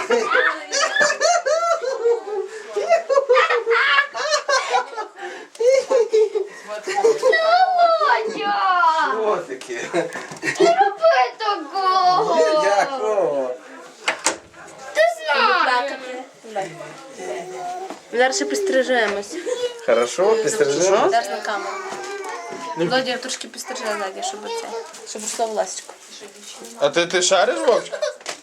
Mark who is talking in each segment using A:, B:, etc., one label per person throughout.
A: Що таке?
B: Не роби такого!
A: Якого?
B: Ти знаєш!
C: Зараз ще пострижемось.
A: Хорошо, підстрижемо?
C: Зараз на камеру. Володя трошки пострижи ззаді, щоб росло волосечко.
D: А ти шариш, Вовчик?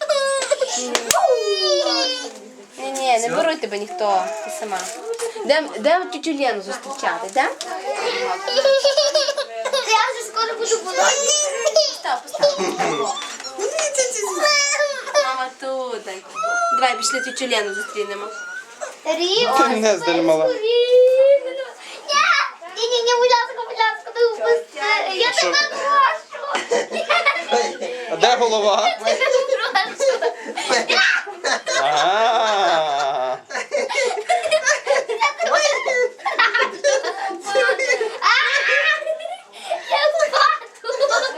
C: Ні, не беруть тебе ніхто, ти сама. Де тютю Лену зустрічати, де?
B: Я вже скоро буду болоти.
C: Постав. Мама тут. Давай, пішли тютю Лену зустрінемо.
D: Ти не здальмала.
B: Ні, будь ласка, не впусти. Я тебе прошу.
D: А де голова?
B: Я тебе прошу.
D: Ага.
B: Я плачу.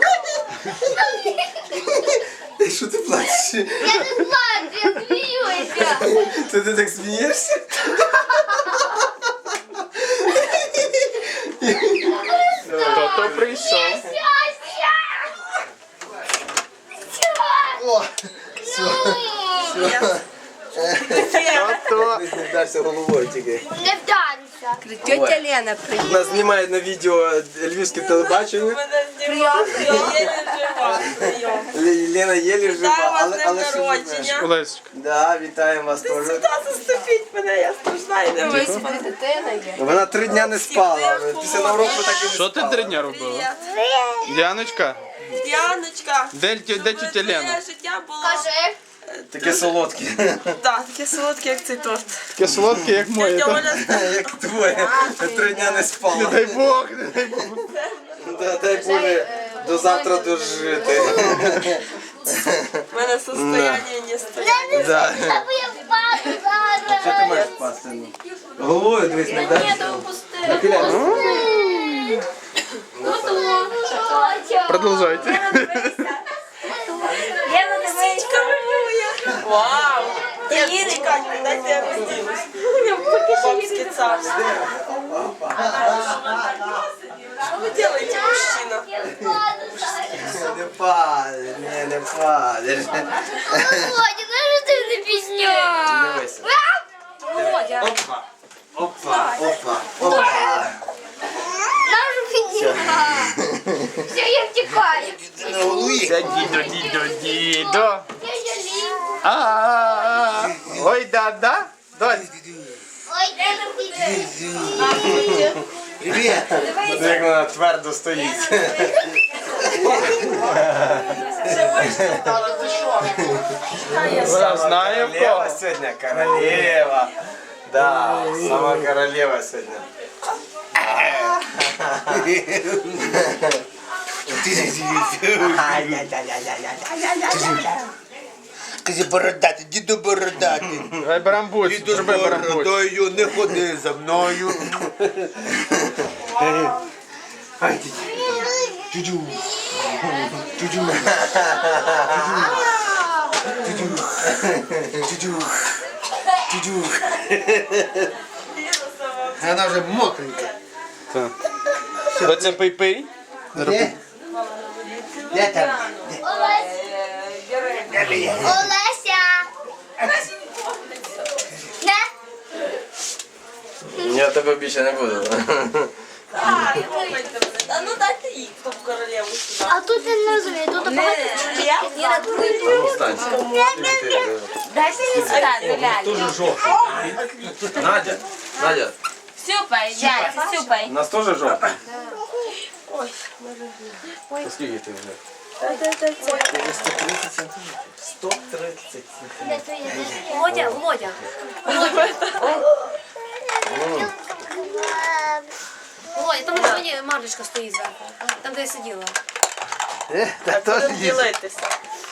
A: Що ти плачеш?
B: Я не плачу, я сміюся.
A: Ти так смієшся?
D: Хто прийшов?
A: О, все.
D: Хто?
A: Не вдарся головою тільки.
B: Не вдарюся.
C: Тетя Лена приїхала.
A: Нас знімає на відео львівське телебачення. Лена єлі жива, але що живе.
D: Олесечка.
A: Да, вітаємо вас теж.
E: Заступіть мене, я страшна і не вийду.
C: Господи, дитина є.
A: Вона 3 дня не спала. Після навроку так і не
D: Що ти
A: спала.
D: 3 дня робила? Яночка,
E: Яночка,
D: де тетя Лена?
E: моє життя було
B: Кажи.
A: Таке солодке.
E: таке солодке, як цей торт.
D: Таке солодке, як моє.
E: Тетя
D: та?
E: Оля
A: Як твоє. 3 дня не
D: Не
A: спала.
D: дай Бог, не дай Бог.
A: Дай Боже до завтра дожити.
E: в мене состояння не стоять.
A: Да.
B: Я впаду зараз.
A: Що ти маєш впасти? Головою дивись, не дай.
D: Продовжайте.
E: Вау! Ні, чекайте, дайте я розділюсь. Бабське царство. Що ви робите, мужчина?
A: Не падай, не падай.
B: Володя, ну що ти не пісня?
A: Дивися. Опа, опа, опа, опа.
B: Нашу підніма. Все, я втікаю.
D: Дідо.
B: Я жалію.
D: А-а-а. Ой, да. Донь.
B: Ой, я не
A: Привіт. Як вона твердо стоїть.
D: Вона знає в
A: Королева
D: кого.
A: сьогодні, королева. Да, сама королева сьогодні.
F: Скажи бородати, діду бородати.
D: Давай барамбуць,
F: Діду
D: зроби
F: з
D: барамбуць.
F: бородою, не ходи за мною. Чу-чу. Чу-чу. Чу-чу. Чу-чу. Вона вже мокренька.
D: Оце пий-пий.
F: Де? Де там?
B: Олеся. Не?
A: Я тебе більше не буду.
E: А ну дайте їх, хто в королеву сюди.
B: А тут я не розумію, тут багато
C: Дайте мені стати, ляльку.
A: Дуже жовтий. Надя,
C: Сюпай, дядь, сюпай.
A: у нас теж жовтий? Скільки ти вже? 130 сантиметрів. 130 сантиметрів.
C: Володя. Володя, там сьогодні Марлечка стоїть зверху. Там, де я сиділа.
F: Та теж
E: Будемо
F: їсть.
E: ділитися.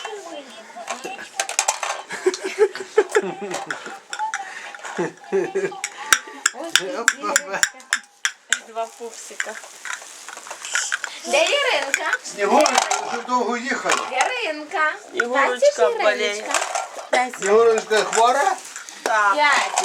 E: Два пупсика.
C: Де Іринка?
F: Снігурочка, дуже довго їхали.
C: Іринка.
E: Ігорочка болеє.
C: 5.
F: Снігурочка хвора?
E: Так.
C: 5.